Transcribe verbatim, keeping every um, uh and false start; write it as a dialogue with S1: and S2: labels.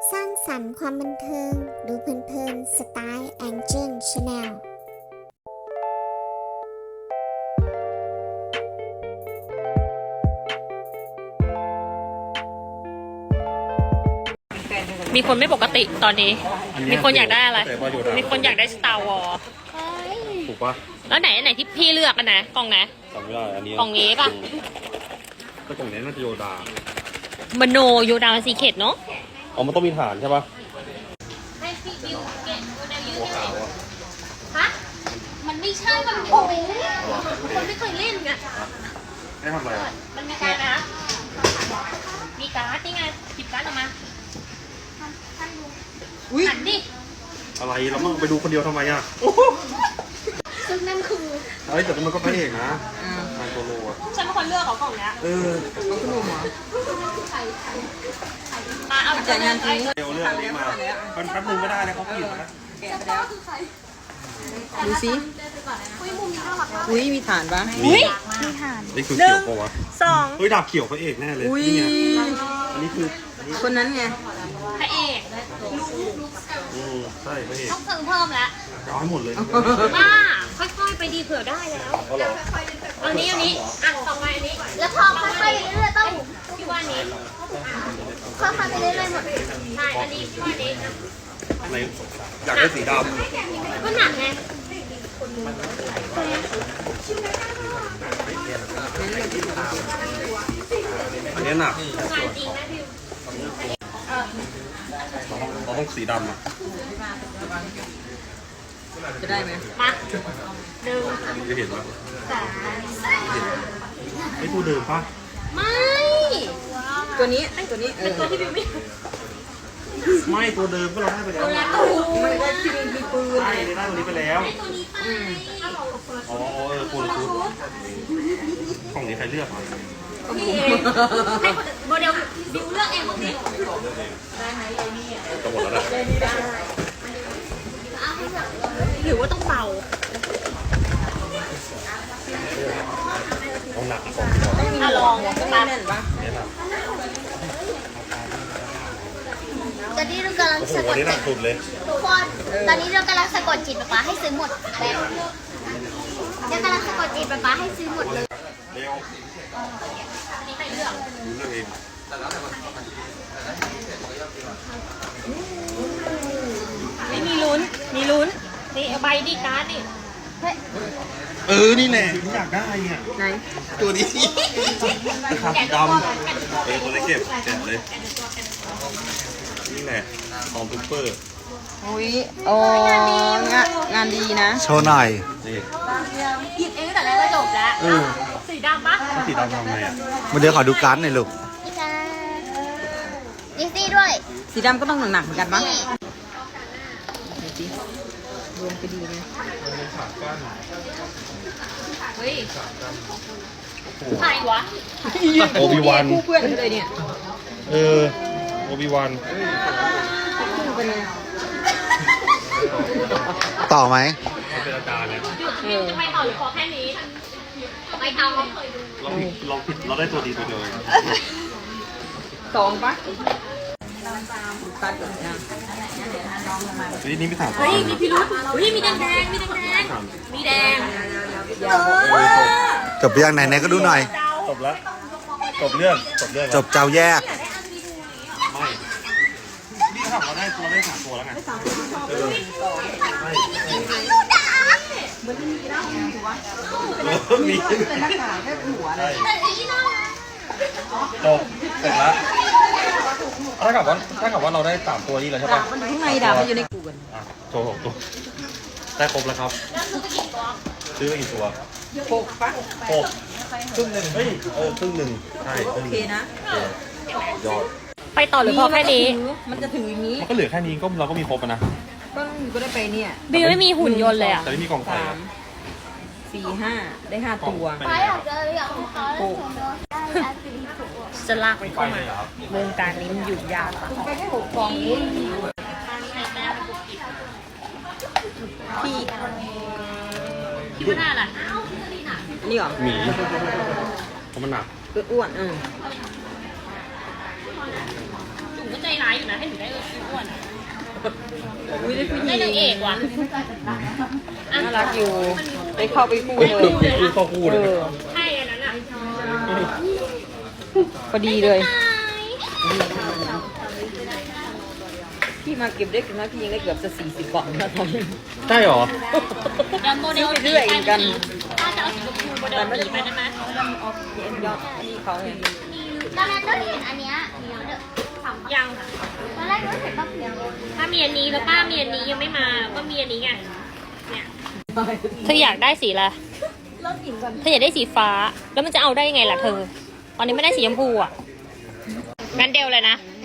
S1: สร้างสรรค์ความบันเทิงดูเพลินๆสไตล์แองเจิลชาแนล
S2: มีคนไม่ปกติตอนนี้ มีคนอยากได้อะไร มีคนอยากได้สตาร์วอล
S3: ถูกปะ
S2: แล้วไหนไหนที่พี่เลือกกันนะกล่องนะ
S3: จำไม่ได้อันนี้
S2: กล่องนี้ปะ
S3: ก็กล่องนี้น่าจะโยดาม
S2: โนโยดาซีเคทเนาะ
S3: อ๋อมันต้องมีฐานใช่ปะ
S2: ให้พี่บิวเก็ตโมเดลยู
S3: หัวขาวอะ
S2: ฮะมันไม่ใช่มันโอ้ยคนไม่เคยเล่นไง
S3: ให้ทำอะไรอะ
S2: มันมีการนะ มีการ์ดนี่ไงหยิบการ์ดออกมาหันดิ
S3: อะไรเราต้องไปดูคนเดียวทำไมอะ
S1: ซึ่งนั่นคือ
S3: เฮ้ยแต่มันก็พระเอกนะงานโซโล่อะ
S2: ฉันเป็นคนเลือกเขากล่องเนี้ย
S3: เออ
S2: มาเอาจากงานจริง
S3: เดี๋ยวเรื่องนี้มามันแป๊บนึงไม่ได้นะเขาผิดนะ
S4: ดูสิอุ้ยมีฐานปะ
S2: อุ้ย
S3: นี่คือเขียวปะวะ
S2: สอง
S3: เฮ้ยดาบเขียวพระเอกแน่เลย
S4: อุ้ย
S3: นี่ไงอันนี้คืออันนี้
S4: คนนั้นไง
S2: พระเอก
S3: อืมใช่พระเอก
S2: ต้องซื้อเพิ่มแล้ว
S3: เอาให้หมดเลย
S2: บ้าค่อยๆไปดีเผื่อได้แล้ว
S3: ก็หรอ
S2: อันนี้อันนี้อ่ะต่อไปอันนี้
S1: แล้วพอค่อยๆไปเรื่อยๆต้อง
S2: พี่ว่านี้
S1: ค่อยๆไปเรื่อยๆหมด
S2: ใช่อันนี้พี่ว่านี้
S3: อะไรอยากได้สีด
S2: ก็หนักไง
S3: ำอันนี้หนัก
S2: งานจริงนะพี่
S3: เราต้องสีดำอะ
S4: จะได้ไหม
S2: มาหนึ่ง
S3: จะเห็นปะ
S2: สาม
S3: ไอ้ตัวเดิมปะ
S2: ไม่
S4: ตัวนี้ตัวนี้เอ
S2: เป็น
S4: อ
S2: ตัวที่พี่ไม่
S3: ไม่ตัวเดิมก็เราได้ไปแล้ว
S4: ไม่ได้ที่มีมีปืน
S3: ใช่ได้ตัวนี้ไปแล้ว
S2: ตัวนี้ไป
S3: อ๋อเออคุณคุณกล่องนี้ใครเลือกอ่ะ
S2: พี่เองให้คนโมเดลดิวเลือกเองหมดสิ
S3: จะหมดแล้วนะ
S2: หรือว่าต้องเป่า
S3: ต้องหนักกล่อง
S2: อ่ะลอง
S4: ต้อง
S2: มา
S4: แน่นปะ
S3: เนี่ยนะ
S1: ตอนนี้เรากำลัง
S3: โอ้โห
S1: สะก
S3: วัน
S1: ด
S3: นี้หนั
S1: จิ
S3: ก
S1: ต
S3: สุดเลย
S1: ทุกคน ตอนนี้เรากำลังสะกดจิตป๊าป๊าให้ซื้อหมดแบบเรากำลังสะกดจิตป๊าป๊าให้ซื้อหมดเลย
S3: เร็ว
S2: อันนี้ใครเลือก
S3: ดูเรื่องเอง
S2: ไม่มีลุ้น มีลุ้น นี่เอาใบดีการ์ดนี่
S3: เออนี่แหละที่อยากได้เนี่ย
S4: ไหน
S3: ตัวนี้นะครับดำเออตัวเล็กเก็บแจกเลยนี่แหละของซุปเปอร์
S4: อุ้ยโอ้งานงานดีนะ
S5: โชว์หน่อย
S3: นี่
S2: หยิบเองตั้งแต่แรกก็จบแล้ว
S3: เออ
S2: สีดำปะ
S3: ถ้าสีดำทำไงอ่ะ
S5: มาเดี๋ยวขอดูการ์ดหน่อยลูก
S1: นี่ค่ะดิสซี่ด้วย
S4: สีดำก็ต้องหนักๆเหมือนกันปะ
S1: นี่
S4: ดูสิรวมจะดีไหม
S2: เฮ้ยใครวะ
S3: โอบิวัน
S4: คู่เพื่อนกันเลยเนี่ย
S3: เออโอบิวัน
S4: คู่เป็นไง
S5: ต่อไหม
S3: เขาเป็นอาจารย์เนี่ย
S2: หยุดวิวจะไปต่อหรือพอแค่นี้ไม่เอาเขาเคยดู
S3: เราผิดเราผิดเราได้ตัวดีตัวเดียวเอง
S4: สองปะตัดก่อนนะ
S3: เฮ้ยนี่ไม่ถาม
S2: เฮ้ย มีพิรุษเฮ้ย มีแดงแดงมีแดงแดงมีแดง
S5: จบไปยังไหนไหนก็ดูหน่อย
S3: จบแล้วจบเรื่องจบเรื่อง
S5: จบเจ้าแยก
S3: ไม่นี่ครับเราได้เราได้สามตัวแล้วไงเออไม่มี
S4: เป็นรักษาแค่หัวเลย
S3: จบเสร็จแล้วถ้ากับว่าถ้ากับว่าเราได้สามตัวนี้แล้วใช่
S4: ดา
S3: ปะ
S4: บมันอยู่ข้างในดาบมันอยู่ในกูกัน
S3: อ่ะโชว์หกตัวได้ครบแล้วครับซื้อไปกี่ตัว
S4: หกปะ
S3: หกครึ่งหนึ่งเฮ้ยเออครึ่งหนึ่งใช่ค
S4: โอ
S3: รึ่งห
S4: เค
S3: นึ่ง
S4: นะ
S3: ยอด
S2: ไปต่อหรือพอแค่นี้
S4: มันจะถืออย่างนี้
S3: มันก็เหลือแค่นี้ก็เราก็มีครบอะนะ
S4: ก็ก็ได้ไปเนี่ย
S2: บิวไม่มีหุ่นยนต์เลยอ่ะ
S3: แต่ไม่มีกล่องใส่
S4: สามสี่ห้าได้ห้าตัว
S1: ไปอยากเจออยากของเขาแล้วผมโดนได้อาสีถูก
S2: จะลากไป
S3: ไป
S2: เข้า
S3: เล
S2: มาย
S3: เหรอครับ
S2: วงการนี้มันอยู่ยากอะ
S4: ไปแค่หกฟองนี้
S2: พี่คิดว่าได้อะไร
S4: อันนี้เหรอ
S3: หมีเพราะมันหนัก
S4: อ้วนๆอืม
S2: จุ๋มก็จะใจร้ายอยู่นะให้หนูได้อ้วนอะ
S4: อุ้ยได้ผู้หญิ
S2: ได้
S4: ง
S2: นางเอกว่ะ
S4: น่ารักอยู่ได้เข้าไปคู่
S3: เฮ้ย
S4: เล
S3: คือย คือข้อคู่
S4: เอ
S3: เลย
S4: อ
S2: ใช่อันนั้นอ่ะ
S4: พอดีเลยพี่มาเก็บได้กันนะพี่ยังได้เกือบจะสี่สิบกล่องแล้วตอนนี้
S3: ใช่หรอ
S2: เดี๋ยวโมเดล
S4: ไปเรื่อยเหมือนกัน
S2: ถ้าจะเอาสีชมพูโมเดลสีไปได้ไหม
S4: เอ็นยอดนี่เขาไง
S1: ตอนแรกก็เห็นอันเนี้ยเดี๋ยวเดี๋ยวถาม
S2: ยังค่ะ
S1: ตอนแรกก็เห็นป้าเพียง
S2: ถ้ามีอันนี้แล้วป้ามีอันนี้ยังไม่มาก็มีอันนี้ไงเนี่ยเธออยากได้สีอะไรเธออยากได้สีฟ้าแล้วมันจะเอาได้ยังไงล่ะเธอตอนนี้ไม่ได้สีชมพูอ่ะงั้นเดลเลยนะ